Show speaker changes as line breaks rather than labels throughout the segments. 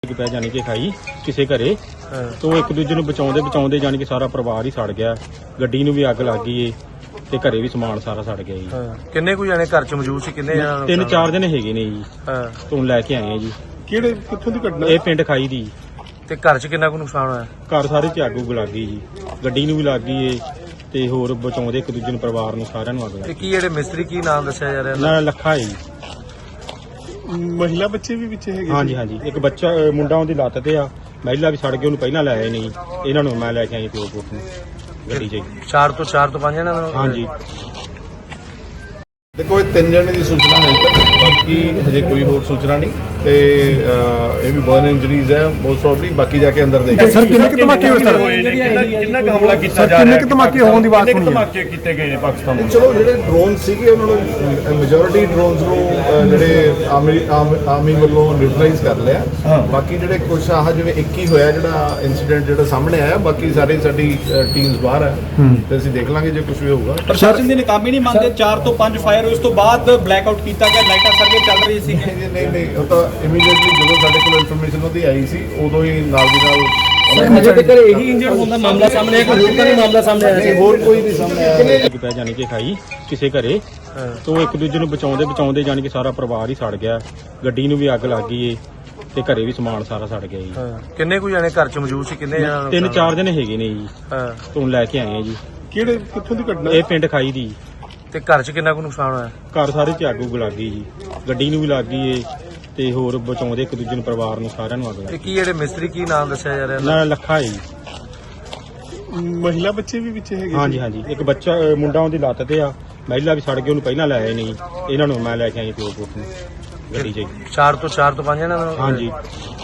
ਪੈ ਜਾਣੀ ਕਿ ਖਾਈ ਕਿਸੇ ਘਰੇ ਤੋਂ ਇੱਕ ਦੂਜੇ ਨੂੰ ਬਚਾਉਂਦੇ ਜਾਣੀ ਕਿ ਸਾਰਾ ਪਰਿਵਾਰ ਹੀ ਸੜ ਗਿਆ। ਗੱਡੀ ਨੂੰ ਵੀ ਅੱਗ ਲੱਗ ਗਈ ਏ ਤੇ ਘਰੇ ਵੀ ਸਮਾਨ ਸਾਰਾ ਸੜ ਗਿਆ ਜੀ।
ਕਿੰਨੇ ਕੁ ਜਾਣੇ ਘਰ ਚ ਮੌਜੂਦ ਸੀ? ਕਿੰਨੇ ਜਾਣੇ?
3-4 ਦਿਨ ਹੈਗੇ ਨੇ ਜੀ। ਤੋਂ ਲੈ ਕੇ ਆਏ ਆ ਜੀ।
ਕਿਹੜੇ ਕਿੱਥੋਂ ਦੀ ਘਟਨਾ?
ਇਹ ਪਿੰਡ ਖਾਈ ਦੀ।
ਤੇ ਘਰ ਚ ਕਿੰਨਾ ਕੁ ਨੁਕਸਾਨ ਹੋਇਆ?
ਘਰ ਸਾਰੇ ਚ ਅੱਗ ਲੱਗ ਗਈ ਜੀ। ਗੱਡੀ ਨੂੰ ਵੀ ਲੱਗ ਗਈ ਏ ਤੇ ਹੋਰ ਬਚਾਉਂਦੇ ਇੱਕ ਦੂਜੇ ਨੂੰ ਪਰਿਵਾਰ ਨੂੰ ਸਾਰਿਆਂ ਨੂੰ ਅੱਗ ਲੱਗ
ਤੇ
ਗਈ।
ਕੀ ਜਿਹੜੇ ਮਿਸਤਰੀ ਕੀ ਨਾਮ ਦੱਸਿਆ ਜਾ ਰਿਹਾ?
ਨਾ ਲੱਖਾ ਹੈ ਜੀ।
ਮਹਿਲਾ ਬੱਚੇ ਵੀ ਵਿੱਚ ਹੈਗੇ?
ਹਾਂਜੀ ਇੱਕ ਬੱਚਾ ਮੁੰਡਾ ਉਹਦੀ ਲੱਤ ਤੇ ਆ। ਮਹਿਲਾ ਵੀ ਸੜ ਗਈ, ਉਹਨੂੰ ਪਹਿਲਾਂ ਲੈ ਆਏ ਨਹੀਂ। ਇਹਨਾਂ ਨੂੰ ਮੈਂ ਲੈ ਕੇ ਆਈ ਪਿਓ ਪੁੱਤ ਨੂੰ ਗੱਡੀ 'ਚ।
4 ਤੋਂ 5 ਜਣੇ?
ਹਾਂਜੀ।
ਦੇਖੋ ਇਹ 3 ਜਣੇ ਦੀ ਸੂਚਨਾ ਹੈ ਤੱਕ, ਬਾਕੀ ਹਜੇ ਕੋਈ ਹੋਰ ਸੂਚਨਾ ਨਹੀਂ ਤੇ ਇਹ ਵੀ ਬਰਨ ਇੰਜਰੀਜ਼ ਹੈ ਮੋਸਟ ਪ੍ਰੋਬਬਲੀ। ਬਾਕੀ ਜਾ ਕੇ ਅੰਦਰ ਦੇਖਾਂਗੇ।
ਸਰ ਕਿੰਨੇ ਕਿ ਧਮਾਕੇ ਹੋਏ? ਸਰ
ਕਿੰਨਾ ਕੁ ਹਮਲਾ ਕੀਤਾ ਜਾ ਰਿਹਾ?
ਕਿੰਨੇ ਕਿ ਧਮਾਕੇ ਹੋਣ ਦੀ ਬਾਤ
ਕਿੰਨੇ
ਸੁਣੀ?
ਧਮਾਕੇ ਕੀਤੇ ਗਏ ਨੇ ਪਾਕਿਸਤਾਨ ਵੱਲੋਂ?
ਚਲੋ ਜਿਹੜੇ ਡਰੋਨ ਸੀਗੇ ਉਹਨਾਂ ਨੂੰ ਮੈਜੋਰਿਟੀ ਡਰੋਨਸ ਨੂੰ ਜਿਹੜੇ ਆਰਮੀ ਵੱਲੋਂ ਨਿਊਟਰਲਾਈਜ਼ ਕਰ ਲਿਆ। ਬਾਕੀ ਜਿਹੜੇ ਕੁਝ ਆਹ ਜਿਵੇਂ 21 ਹੋਇਆ ਜਿਹੜਾ ਇਨਸੀਡੈਂਟ ਜਿਹੜਾ ਸਾਹਮਣੇ ਆਇਆ, ਬਾਕੀ ਸਾਰੀ ਸਾਡੀ ਟੀਮਸ ਬਾਹਰ ਹੈ ਤੇ ਅਸੀਂ ਦੇਖ ਲਾਂਗੇ ਜੇ ਕੁਝ ਵੀ ਹੋਊਗਾ।
ਪ੍ਰਸ਼ਾਸਨ ਦੀ ਨਾਕਾਮੀ ਨਹੀਂ ਮੰਨਦੇ? 4 ਤੋਂ 5 ਫਾਇਰ ਹੋਏ, ਉਸ ਤੋਂ ਬਾਅਦ ਬਲੈਕ ਆਊਟ ਕੀਤਾ ਗਿਆ, ਲਾਈਟਾਂ ਸਰਵੇ ਚੱਲ ਰਹੀ ਸੀ।
ਨਹੀਂ ਉਹ ਤਾਂ ਇਮੀਡੀਏਟਲੀ ਜਦੋਂ ਸਾਡੇ ਕੋਲ ਇਨਫੋਰਮੇਸ਼ਨ ਉਹਦੀ ਆਈ ਸੀ ਉਦੋਂ ਹੀ ਨਾਲ ਦੀ ਨਾਲ
ਅਜੇ ਤੱਕ ਇਹੀ ਇੰਜਰਡ ਹੋਣ ਦਾ ਮਾਮਲਾ ਸਾਹਮਣੇ ਆਇਆ, ਕੋਈ ਹੋਰ ਤਾਂ ਨਹੀਂ ਮਾਮਲਾ ਸਾਹਮਣੇ ਆਇਆ ਸੀ?
ਹੋਰ ਕੋਈ ਨਹੀਂ ਸਾਹਮਣੇ ਆਇਆ।
ਪੈ ਜਾਣੀ ਕਿ ਖਾਈ ਕਿਸੇ ਘਰੇ ਤੋਂ ਇੱਕ ਦੂਜੇ ਨੂੰ ਬਚਾਉਂਦੇ ਜਾਣੀ ਕਿ ਸਾਰਾ ਪਰਿਵਾਰ ਹੀ ਸੜ ਗਿਆ। ਗੱਡੀ ਨੂੰ ਵੀ ਅੱਗ ਲੱਗ ਗਈ ਏ ਤੇ ਘਰੇ ਵੀ ਸਮਾਨ ਸਾਰਾ ਸੜ ਗਿਆ ਜੀ।
ਕਿੰਨੇ ਕੁ ਜਾਣੇ ਘਰ ਚ ਮੌਜੂਦ ਸੀ? ਕਿੰਨੇ ਜਾਣੇ?
3-4 ਦਿਨ ਹੈਗੇ ਨੇ ਜੀ। ਤੋਂ ਲੈ ਕੇ ਆਏ ਆ ਜੀ।
ਕਿਹੜੇ ਕਿੱਥੋਂ ਦੀ ਘਟਨਾ?
ਇਹ ਪਿੰਡ ਖਾਈ ਦੀ।
ਤੇ ਘਰ ਚ ਕਿੰਨਾ ਕੁ ਨੁਕਸਾਨ ਹੋਇਆ?
ਘਰ ਸਾਰੇ ਚ ਅੱਗ ਲੱਗ ਗਈ ਜੀ। ਗੱਡੀ ਨੂੰ ਵੀ ਲੱਗ ਗਈ ਏ ਤੇ ਹੋਰ ਬਚਾਉਂਦੇ ਇੱਕ ਦੂਜੇ ਨੂੰ ਪਰਿਵਾਰ ਨੂੰ ਸਾਰਿਆਂ ਨੂੰ ਅੱਗ ਲੱਗ
ਤੇ
ਗਈ।
ਕੀ ਜਿਹੜੇ ਮਿਸਤਰੀ ਕੀ ਨਾਮ ਦੱਸਿਆ ਜਾ ਰਿਹਾ?
ਨਾ ਲੱਖਾ ਹੈ ਜੀ।
ਮਹਿਲਾ ਬੱਚੇ ਵੀ ਵਿੱਚ ਹੈਗੇ?
ਹਾਂਜੀ ਇੱਕ ਬੱਚਾ ਮੁੰਡਾ ਉਹਦੀ ਲੱਤ ਤੇ ਆ। ਮਹਿਲਾ ਵੀ ਸੜ ਗਈ, ਉਹਨੂੰ ਪਹਿਲਾਂ ਲੈ ਆਏ ਨਹੀਂ। ਇਹਨਾਂ ਨੂੰ ਮੈਂ ਲੈ ਕੇ ਆਈ ਪਿਓ ਪੁੱਤ ਨੂੰ ਗੱਡੀ 'ਚ।
4 ਤੋਂ 5 ਜਣੇ?
ਹਾਂਜੀ।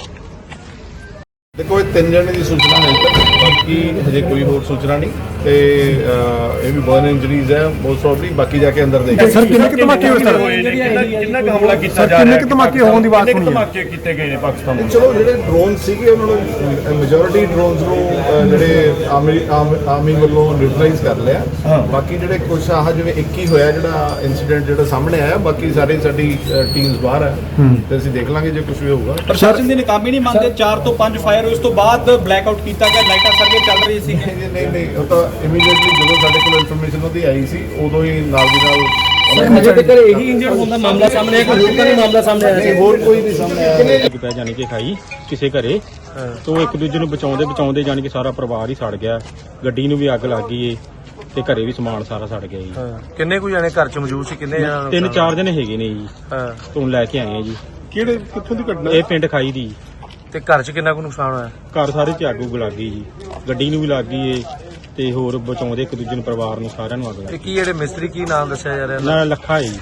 ਦੇਖੋ ਇਹ 3 ਜਣੇ ਦੀ ਸੂਚਨਾ ਹੈ ਤੱਕ, ਬਾਕੀ ਹਜੇ ਕੋਈ ਹੋਰ ਸੂਚਨਾ ਨਹੀਂ ਤੇ ਇਹ ਵੀ ਬਰਨ ਇੰਜਰੀਜ਼ ਹੈ ਮੋਸਟ ਪ੍ਰੋਬਬਲੀ। ਬਾਕੀ ਜਾ ਕੇ ਅੰਦਰ ਦੇਖਾਂਗੇ।
ਸਰ ਕਿੰਨੇ ਕਿ ਧਮਾਕੇ ਹੋਏ? ਸਰ
ਕਿੰਨਾ ਕੁ ਹਮਲਾ ਕੀਤਾ ਜਾ ਰਿਹਾ?
ਕਿੰਨੇ ਕਿ ਧਮਾਕੇ ਹੋਣ ਦੀ ਬਾਤ
ਕਿੰਨੇ
ਸੁਣੀ?
ਧਮਾਕੇ ਕੀਤੇ ਗਏ ਨੇ ਪਾਕਿਸਤਾਨ ਵੱਲੋਂ?
ਚਲੋ ਜਿਹੜੇ ਡਰੋਨ ਸੀਗੇ ਉਹਨਾਂ ਨੂੰ ਮੈਜੋਰਿਟੀ ਡਰੋਨਸ ਨੂੰ ਜਿਹੜੇ ਆਰਮੀ ਵੱਲੋਂ ਨਿਊਟਰਲਾਈਜ਼ ਕਰ ਲਿਆ। ਬਾਕੀ ਜਿਹੜੇ ਕੁਝ ਆਹ ਜਿਵੇਂ 21 ਹੋਇਆ ਜਿਹੜਾ ਇਨਸੀਡੈਂਟ ਜਿਹੜਾ ਸਾਹਮਣੇ ਆਇਆ, ਬਾਕੀ ਸਾਰੀ ਸਾਡੀ ਟੀਮਸ ਬਾਹਰ ਹੈ ਤੇ ਅਸੀਂ ਦੇਖ ਲਾਂਗੇ ਜੇ ਕੁਝ ਵੀ ਹੋਊਗਾ।
ਪ੍ਰਸ਼ਾਸਨ ਦੀ ਨਾਕਾਮੀ ਨਹੀਂ ਮੰਨਦੇ? 4 ਤੋਂ 5 ਫਾਇਰ ਹੋਏ, ਉਸ ਤੋਂ ਬਾਅਦ ਬਲੈਕ ਆਊਟ ਕੀਤਾ ਗਿਆ, ਲਾਈਟਾਂ ਸਰਵੇ ਚੱਲ ਰਹੀ ਸੀ।
ਨਹੀਂ ਉਹ ਤਾਂ ਇਮੀਡੀਏਟਲੀ ਜਦੋਂ ਸਾਡੇ ਕੋਲ ਇਨਫੋਰਮੇਸ਼ਨ ਉਹਦੀ ਆਈ ਸੀ ਉਦੋਂ ਹੀ ਨਾਲ ਦੀ ਨਾਲ
ਅਜੇ ਤੱਕ ਇਹੀ ਇੰਜਰਡ ਹੋਣ ਦਾ ਮਾਮਲਾ ਸਾਹਮਣੇ ਆਇਆ, ਕੋਈ ਹੋਰ ਤਾਂ ਨਹੀਂ ਮਾਮਲਾ ਸਾਹਮਣੇ ਆਇਆ ਸੀ?
ਹੋਰ ਕੋਈ ਨਹੀਂ ਸਾਹਮਣੇ ਆਇਆ।
ਪੈ ਜਾਣੀ ਕਿ ਖਾਈ ਕਿਸੇ ਘਰੇ ਤੋਂ ਇੱਕ ਦੂਜੇ ਨੂੰ ਬਚਾਉਂਦੇ ਜਾਣੀ ਕਿ ਸਾਰਾ ਪਰਿਵਾਰ ਹੀ ਸੜ ਗਿਆ। ਗੱਡੀ ਨੂੰ ਵੀ ਅੱਗ ਲੱਗ ਗਈ ਏ ਤੇ ਘਰੇ ਵੀ ਸਮਾਨ ਸਾਰਾ ਸੜ ਗਿਆ ਜੀ।
ਕਿੰਨੇ ਕੁ ਜਾਣੇ ਘਰ ਚ ਮੌਜੂਦ ਸੀ? ਕਿੰਨੇ ਜਾਣੇ?
3-4 ਦਿਨ ਹੈਗੇ ਨੇ ਜੀ। ਤੋਂ ਲੈ ਕੇ ਆਏ ਆ ਜੀ।
ਕਿਹੜੇ ਕਿੱਥੋਂ ਦੀ ਘਟਨਾ?
ਇਹ ਪਿੰਡ ਖਾਈ ਦੀ।
ਤੇ ਘਰ ਚ ਕਿੰਨਾ ਕੁ ਨੁਕਸਾਨ ਹੋਇਆ?
ਘਰ ਸਾਰੇ ਚ ਅੱਗ ਲੱਗ ਗਈ ਜੀ। ਗੱਡੀ ਨੂੰ ਵੀ ਲੱਗ ਗਈ ਏ ਤੇ ਹੋਰ ਬਚਾਉਂਦੇ ਇੱਕ ਦੂਜੇ ਨੂੰ ਪਰਿਵਾਰ ਨੂੰ ਸਾਰਿਆਂ ਨੂੰ ਅੱਗ ਲੱਗ
ਤੇ
ਗਈ।
ਕੀ ਜਿਹੜੇ ਮਿਸਤਰੀ ਕੀ ਨਾਮ ਦੱਸਿਆ ਜਾ ਰਿਹਾ?
ਨਾ ਲੱਖਾ ਹੈ ਜੀ।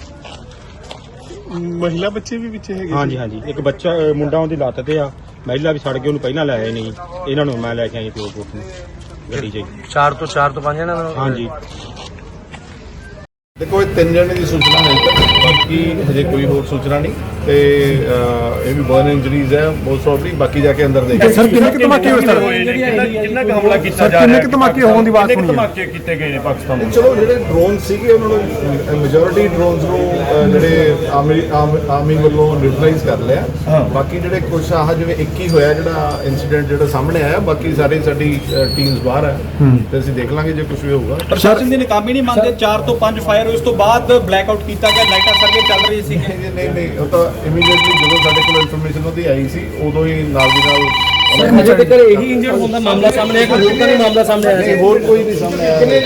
ਮਹਿਲਾ ਬੱਚੇ ਵੀ ਵਿੱਚ ਹੈਗੇ?
ਹਾਂਜੀ ਇੱਕ ਬੱਚਾ ਮੁੰਡਾ ਉਹਦੀ ਲੱਤ ਤੇ ਆ। ਮਹਿਲਾ ਵੀ ਸੜ ਗਈ, ਉਹਨੂੰ ਪਹਿਲਾਂ ਲੈ ਆਏ ਨਹੀਂ। ਇਹਨਾਂ ਨੂੰ ਮੈਂ ਲੈ ਕੇ ਆਈ ਪਿਓ ਪੁੱਤ ਨੂੰ ਗੱਡੀ 'ਚ।
4 ਤੋਂ 5 ਜਣੇ?
ਹਾਂਜੀ।
ਦੇਖੋ ਇਹ 3 ਜਣੇ ਦੀ ਸੂਚਨਾ ਹੈ ਤੱਕ, ਬਾਕੀ ਹਜੇ ਕੋਈ ਹੋਰ ਸੂਚਨਾ ਨਹੀਂ ਤੇ ਇਹ ਵੀ ਬਰਨ ਇੰਜਰੀਜ਼ ਹੈ ਮੋਸਟ ਪ੍ਰੋਬਬਲੀ। ਬਾਕੀ ਜਾ ਕੇ ਅੰਦਰ ਦੇਖਾਂਗੇ।
ਸਰ ਕਿੰਨੇ ਕਿ ਧਮਾਕੇ ਹੋਏ? ਸਰ
ਕਿੰਨਾ ਕੁ ਹਮਲਾ ਕੀਤਾ ਜਾ ਰਿਹਾ?
ਕਿੰਨੇ ਕਿ ਧਮਾਕੇ ਹੋਣ ਦੀ ਬਾਤ
ਕਿੰਨੇ
ਸੁਣੀ?
ਧਮਾਕੇ ਕੀਤੇ ਗਏ ਨੇ ਪਾਕਿਸਤਾਨ ਵੱਲੋਂ?
ਚਲੋ ਜਿਹੜੇ ਡਰੋਨ ਸੀਗੇ ਉਹਨਾਂ ਨੂੰ ਮੈਜੋਰਿਟੀ ਡਰੋਨਸ ਨੂੰ ਜਿਹੜੇ ਆਰਮੀ ਵੱਲੋਂ ਨਿਊਟਰਲਾਈਜ਼ ਕਰ ਲਿਆ। ਬਾਕੀ ਜਿਹੜੇ ਕੁਝ ਆਹ ਜਿਵੇਂ 21 ਹੋਇਆ ਜਿਹੜਾ ਇਨਸੀਡੈਂਟ ਜਿਹੜਾ ਸਾਹਮਣੇ ਆਇਆ, ਬਾਕੀ ਸਾਰੀ ਸਾਡੀ ਟੀਮਸ ਬਾਹਰ ਹੈ ਤੇ ਅਸੀਂ ਦੇਖ ਲਾਂਗੇ ਜੇ ਕੁਝ ਵੀ ਹੋਊਗਾ।
ਪ੍ਰਸ਼ਾਸਨ ਦੀ ਨਾਕਾਮੀ ਨਹੀਂ ਮੰਨਦੇ? 4 ਤੋਂ 5 ਫਾਇਰ ਹੋਏ, ਉਸ ਤੋਂ ਬਾਅਦ ਬਲੈਕ ਆਊਟ ਕੀਤਾ ਗਿਆ, ਲਾਈਟਾਂ ਸਰਵੇ ਚੱਲ ਰਹੀ ਸੀ।
ਨਹੀਂ ਉਹ ਤਾਂ ਇਮੀਡੀਏਟਲੀ ਜਦੋਂ ਸਾਡੇ ਕੋਲ ਇਨਫੋਰਮੇਸ਼ਨ ਉਹਦੀ ਆਈ ਸੀ ਉਦੋਂ ਹੀ ਨਾਲ ਦੀ ਨਾਲ
ਅਜੇ ਤੱਕ ਇਹੀ ਇੰਜਰਡ ਹੋਣ ਦਾ ਮਾਮਲਾ ਸਾਹਮਣੇ ਆਇਆ, ਕੋਈ ਹੋਰ ਤਾਂ ਨਹੀਂ ਮਾਮਲਾ ਸਾਹਮਣੇ ਆਇਆ ਸੀ?
ਹੋਰ ਕੋਈ ਨਹੀਂ ਸਾਹਮਣੇ ਆਇਆ।